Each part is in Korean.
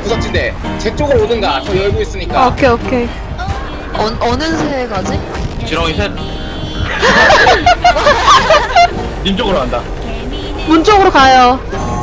구석지대 제 쪽으로 오든가. 저 열고 있으니까. 오케이 오케이. 어느 새 가지? 지렁이 셋. 님 쪽으로 간다. 문 쪽으로 가요.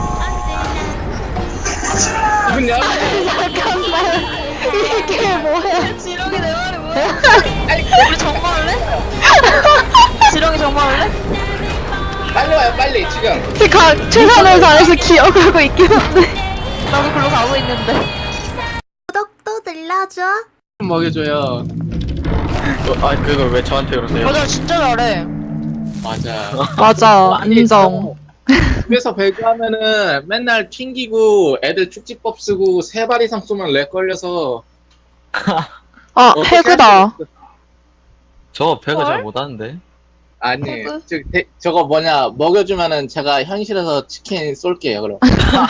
문 열어. 잠깐만. 이게 뭐야? 지렁이 내 말이 뭐야? 우리 정말할래? 지렁이 정말할래? 빨리 와요 빨리 지금. 제가 최선을 다해서 기억하고 있긴 한데. 나도 글로 가고 있는데. 구독도 눌러줘. 먹여줘요. 아 그걸 왜 저한테 그러세요? 맞아, 진짜 잘해. 맞아. 맞아. 아니, 인정. 집에서 배구하면은 맨날 튕기고 애들 축지법 쓰고 3발 이상 쏘면 렉 걸려서. 아 어떻게 해그다. 할 수 있어. 저 배가 잘 헐? 못하는데. 아니 해그? 저거 뭐냐 먹여주면은 제가 현실에서 치킨 쏠게요 그럼.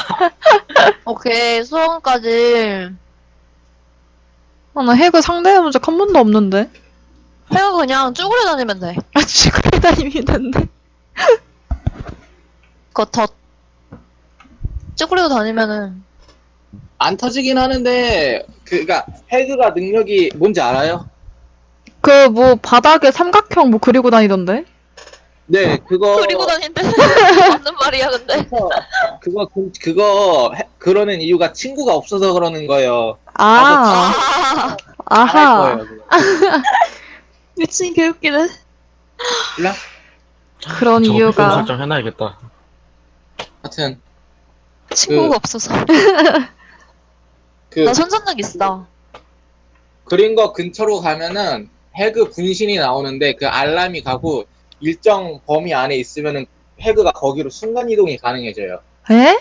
오케이, 수원까지. 아, 나 해그 상대해본 적 한 번도 없는데. 해가 그냥 쭈그려 다니면 돼. 아 쥐그레 다니는데. 그거 더 쭈그리고 다니면은 안 터지긴 하는데 그니까 해그가 능력이 뭔지 알아요? 그 뭐 바닥에 삼각형 뭐 그리고 다니던데. 네 그거 그리고 다닌대. 맞는 말이야, 근데. 그거 그러는 이유가 친구가 없어서 그러는 거예요. 아 아, 할 아하. 거예요. 그거. 미친 개웃기네. 몰라? 그런 저거 이유가. 비밀 설정 해놔야겠다. 하여튼 친구가 없어서. 그 나 손전등 있어. 그린 거 근처로 가면은 해그 분신이 나오는데 그 알람이 가고 일정 범위 안에 있으면은 해그가 거기로 순간 이동이 가능해져요. 에?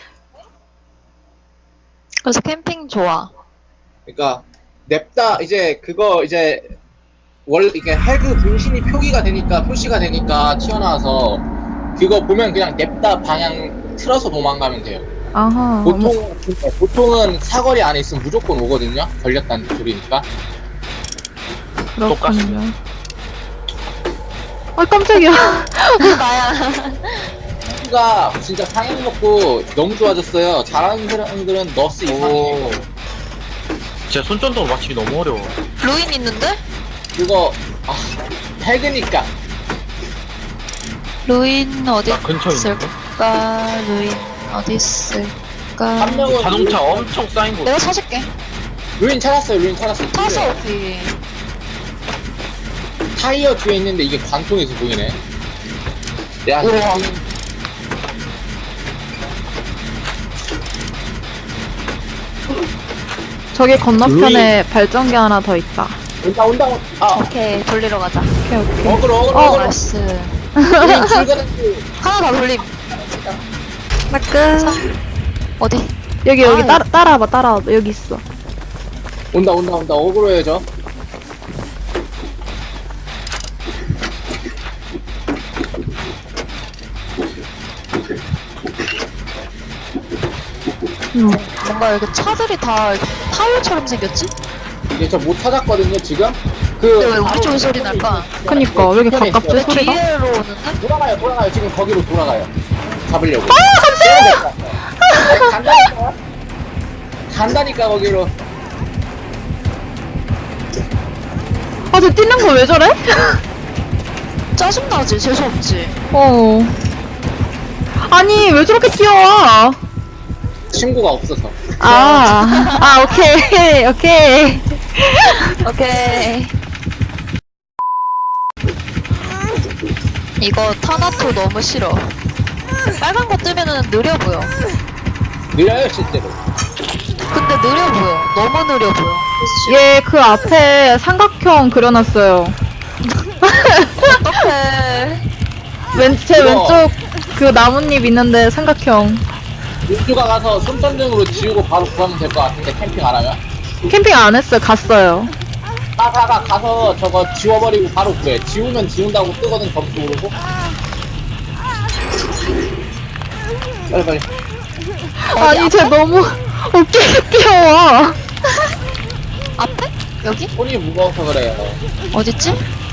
그래서 캠핑 좋아. 그러니까 냅다 이제 그거 이제 이게 해그 분신이 표시가 되니까 튀어나와서 그거 보면 그냥 냅다 방향 틀어서 도망가면 돼요. 아하. 보통은 사거리 안에 있으면 무조건 오거든요. 걸렸다는 소리니까. 그렇군요. 아 깜짝이야. 나야. 해그가 진짜 상향 먹고 너무 좋아졌어요. 잘하는 사람들은 너스 이상이에요. 제 손전등으로 맞추기 너무 어려워. 루인 있는데? 그거 해그니까 루인 어디 나 근처에 있는데? 있을까? 루인 어디 있을까? 한 명은 자동차 엄청 쌓인 곳. 내가 찾을게. 루인 찾았어요. 루인 찾았어요. 타서 오피. 타이어 뒤에 있는데 이게 관통에서 보이네. 야, 우와. 저기 건너편에 발전기 하나 더 있다. 온다. 오케이, 돌리러 가자. 오케이 오케이. 어그로. 나이스. 루인 출근했지. 하나 더 돌림. 나 끝. 어디? 여기 아유. 따라와봐. 여기 있어. 온다. 어그로예요 저. 뭔가 여기 차들이 다 타이어처럼 생겼지? 이게 저 못 찾았거든요 지금. 근데 왜 우리 쪽에 소리 날까? 그니까 왜 이렇게 편에 가깝지 왜 있어요. 소리가? 뒤에로 오는데? 돌아가요. 지금 거기로 돌아가요. 잡으려고. 깜짝이야. 간다니까 거기로. 아 저 뛰는 거 왜 저래? 짜증나지? 재수없지? 어. 아니 왜 저렇게 뛰어와? 친구가 없어서. 오케이. 오케이. 이거 타나토 너무 싫어. 빨간 거 뜨면은 느려 보여. 느려요 실제로. 근데 느려 보여. 너무 느려 보여. 그래서 싫어. 얘 그 앞에 삼각형 그려놨어요. 어떡해. 제 이거. 왼쪽 그 나뭇잎 있는데 삼각형. 민주가 가서 손전등으로 지우고 바로 구하면 될 것 같은데 캠핑 안 하면? 캠핑 안 했어요. 갔어요. 가서 저거 지워버리고 바로 구해. 지우면 지운다고 뜨거든 점수 오르고. 빨리. 아니 쟤 너무 웃기게 뛰어와. 앞에? 여기? 손이 무거워서 그래요. 어딨지?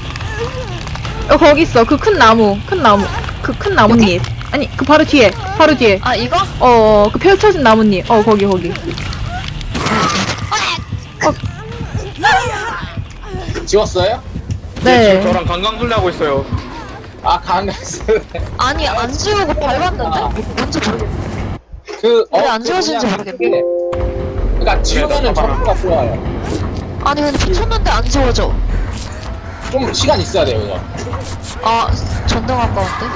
거기 있어. 그 큰 나무. 그 큰 나뭇잎. 아니 그 바로 뒤에. 아, 이거? 그 펼쳐진 나뭇잎. 거기. 지웠어요? 네. 저랑 강강술래 하고 있어요. 아 강갔어. 아니 안 지우고 밟았는데? 뭔지 모르겠네. 왜안 지워지는지 모르겠네. 그러니까 지우면은 점수가 좋아요. 아니 근데 붙였는데 안 지워져. 좀 시간 있어야 돼요 이거. 아 전등 아까운데?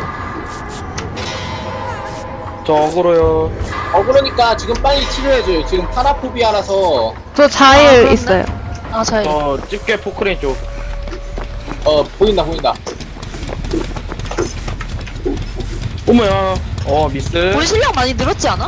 저 억울해요. 그러니까 지금 빨리 치료해줘요. 지금 파라포비아라서 저 아, 자일 그렇네. 있어요. 아 잘. 집게 포크레인 쪽. 보인다. 어머야. 미스. 우리 실력 많이 늘었지 않아?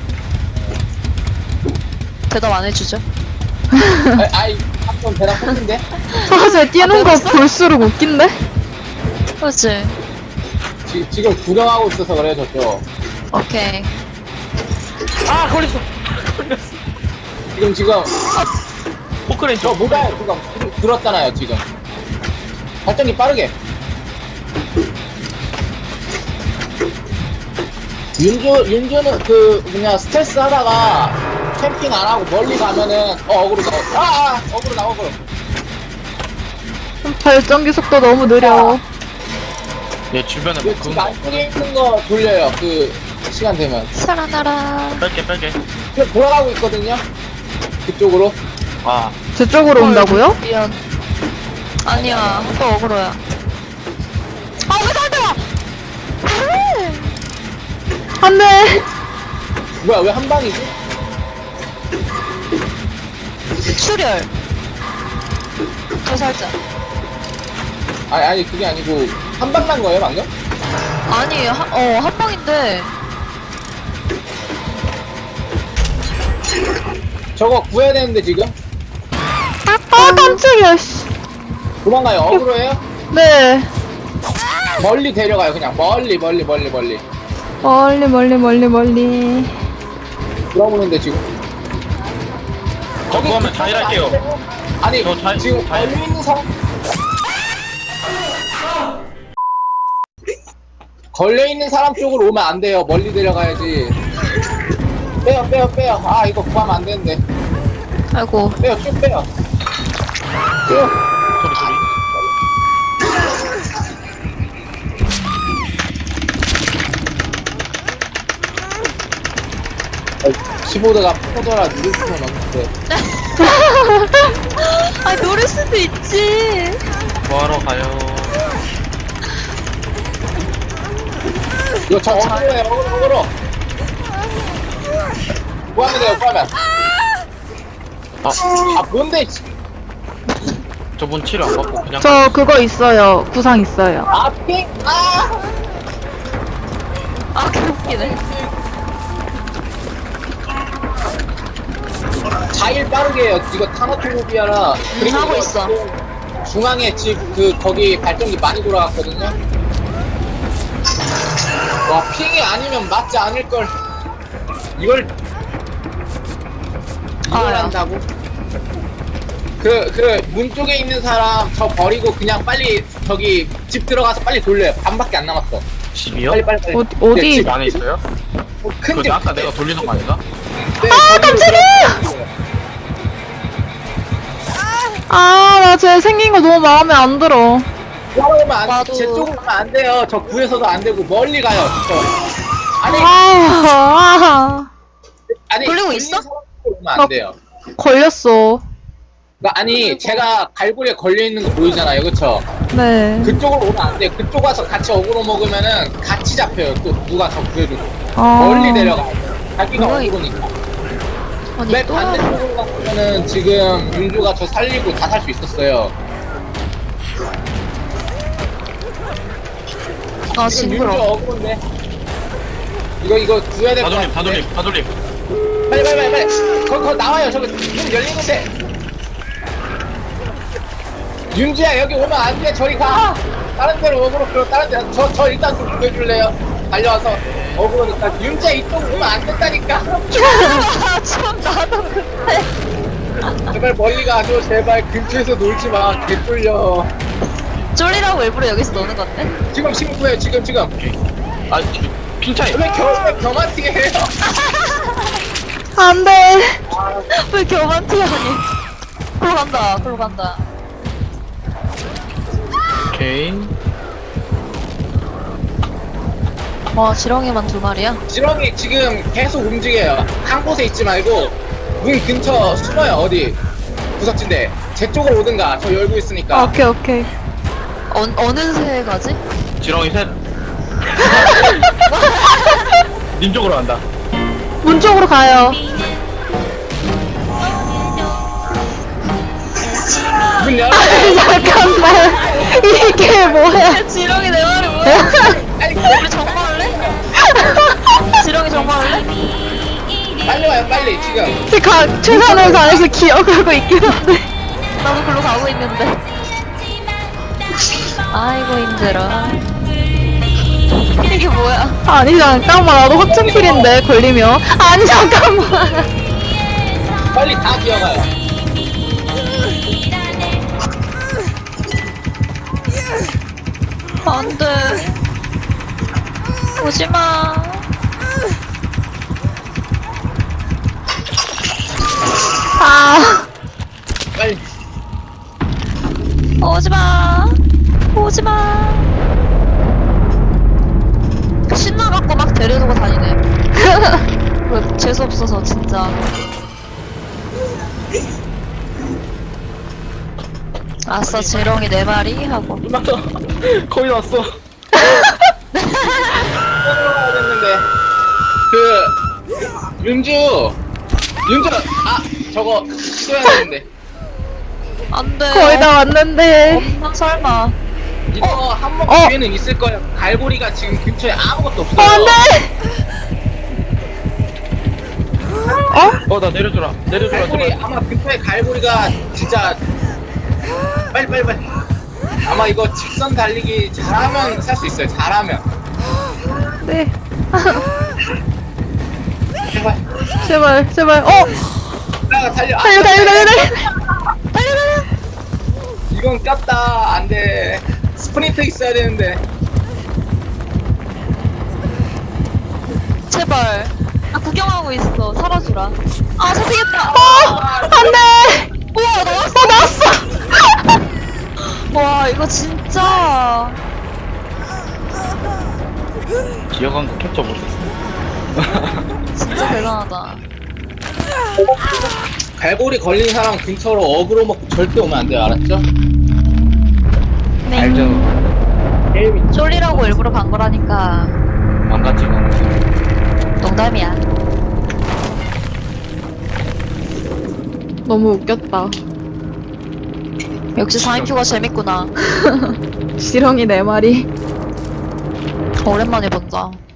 대답 안 해주죠? 아이 한번 대답 했는데. 사실 뛰는 거 내렸어? 볼수록 웃긴데? 그렇지. 지금 구경하고 있어서 그래요 저쪽. 오케이. 아 걸렸어. 지금 포크레인 저 쪽. 모바일 지금 들었잖아요 지금. 발전기 빠르게. 윤주는 그냥 스트레스 하다가 캠핑 안 하고 멀리 가면은 어그로 어그로. 발전기 속도 너무 느려. 얘 주변에 그 뭐 지금 그런 안쪽에 있는 거 돌려요. 그 시간 되면. 살아나라. 뺄게. 지금 돌아가고 있거든요. 그쪽으로. 아 제 쪽으로 온다고요? 미안. 아니야. 또 억울해야. 아, 왜 나한테 와! 안 돼! 뭐야 왜 한 방이지? 출혈. 더 살짝. 아니 그게 아니고 한 방 난 거예요 방금? 아니, 한 방인데. 저거 구해야 되는데 지금 아, 깜짝이야, 씨. 도망가요. 어그로예요? 네. 멀리 데려가요 그냥 멀리. 멀리. 돌아보는데 지금. 거기 하면 자일할게요. 아니 저 지금 자일. 걸려 있는 사람 걸려 있는 사람 쪽으로 오면 안 돼요. 멀리 데려가야지. 빼요. 아 이거 구하면 안 되는데. 아이고. 빼요 쭉 빼요. 쭉. 소리. 15도가 포도라 누를 수는 없는데. 아, 노릴 수도 있지. 뭐하러 가요? 이거 저 어그로예요. 어그로. 구하면 돼요. 구하면. 뭔데? 저분 치료 안 받고 그냥. 저 그거 있어요. 구상 있어요. 핑. 아, 개웃기네. 자일 빠르게 해요. 이거 타나토로비아라. 그리고 하고 이거 있어. 지금 중앙에 집 거기 발전기 많이 돌아갔거든요. 와 핑이 아니면 맞지 않을 걸. 이걸 야. 한다고? 문 쪽에 있는 사람 저 버리고 그냥 빨리 저기 집 들어가서 빨리 돌려요. 반밖에 안 남았어. 집이요? 빨리. 어디? 네, 집 안에 있어요? 큰 근데 집. 아까 내가 돌리는 거 아닌가? 네, 깜짝이야! 아, 나 쟤 생긴 거 너무 마음에 안 들어. 나도. 제 쪽으로 오면 안 돼요. 저 구에서도 안 되고 멀리 가요. 아니 아니 돌리고 걸린 있어? 사람 쪽으로 오면 안 돼요. 걸렸어. 그러니까 아니 제가 갈고리에 걸려 있는 거 보이잖아요, 그렇죠? 네. 그쪽으로 오면 안 돼요. 그쪽 와서 같이 어그로 먹으면은 같이 잡혀요. 또 누가 더 구해주고 아. 멀리 내려가. 자기가 뭐야, 어그로니까. 아니, 맨 또. 반대쪽으로 갔으면은 지금 윤주가 저 살리고 다 살 수 있었어요. 아, 지금 윤주 징그러. 어그로인데. 이거 구해야 될 것 같은데. 다 돌림. 빨리. 거기 나와요. 저기 문 열리는데. 윤주야 여기 오면 안 돼. 저리 가. 다른 데로 어그로 끌어. 다른 데. 저 일단 좀 구해줄래요? 달려와서 어그로니까. 윤주야 이쪽으로 오면 안 된다니까. 참, 나도 그래. 제발 멀리 가줘. 제발 근처에서 놀지 마. 개 쫄려. 쫄리라고 일부러 여기서 노는 건데? 지금 친구예요. 지금. 아 지금 핑 차이. 왜 경한티게 해요? 안 돼. 왜 교만티 아니. 글로 간다. 글로 간다. 오케이. 와 지렁이만 2마리야? 지렁이 지금 계속 움직여요. 한 곳에 있지 말고 문 근처 숨어요. 어디 구석진데 제 쪽으로 오든가. 저 열고 있으니까. 오케이, 오케이. 어느 새에 가지? 지렁이 셋. 님 쪽으로 간다. 문 쪽으로 가요. 문 열어. 잠깐만. 이게 뭐야? 지렁이 4마리 뭐야? 빨리 우리 정말래? 지렁이 정말래? 빨리 와요. 빨리 지금. 제가 최선을 다해서 기억하고 있긴 한데. 나도 글로 가고 있는데. 아이고 힘들어. 이게 뭐야? 아니, 잠깐만. 나도 확정킬인데, 걸리면. 아니, 잠깐만. 빨리 다 기어가요. 안 돼. 오지 마. 아, 빨리. 오지 마. 오지 마. 신나갖고 막 데려두고 다니네. 그 재수 없어서 진짜. 아싸 지렁이 4마리 하고. 끝났다. 거의 다 왔어. 됐는데 그 윤주 아 저거 시도해야 되는데 안 돼. 거의 다 왔는데. 엄마 설마. 이거 한 번 어. 기회는 있을 거예요. 갈고리가 지금 근처에 아무것도 없어요. 안 돼! 나 내려줘라. 내려줘라. 갈고리 제발. 아마 근처에 갈고리가 진짜 빨리 아마 이거 직선 달리기 잘하면 살 수 있어요. 잘하면 네. 제발 제발, 제발. 달려. 달려. 이건 깝다. 안돼. 스프린트 있어야 되는데. 제발. 나 구경하고 있어. 살아주라. 아 잡히겠다. 안 돼! 우와 나왔어. 나왔어! 와 이거 진짜. 기어간 거 캡처 못했어. 진짜 대단하다. 갈고리 걸린 사람 근처로 어그로 먹고 절대 오면 안 돼요. 알았죠? 알죠. 게임이 쫄리라고 일부러 간 거라니까. 망가지고. 농담이야. 너무 웃겼다. 역시 4인큐가 재밌구나. 지렁이 4마리. 오랜만에 본다.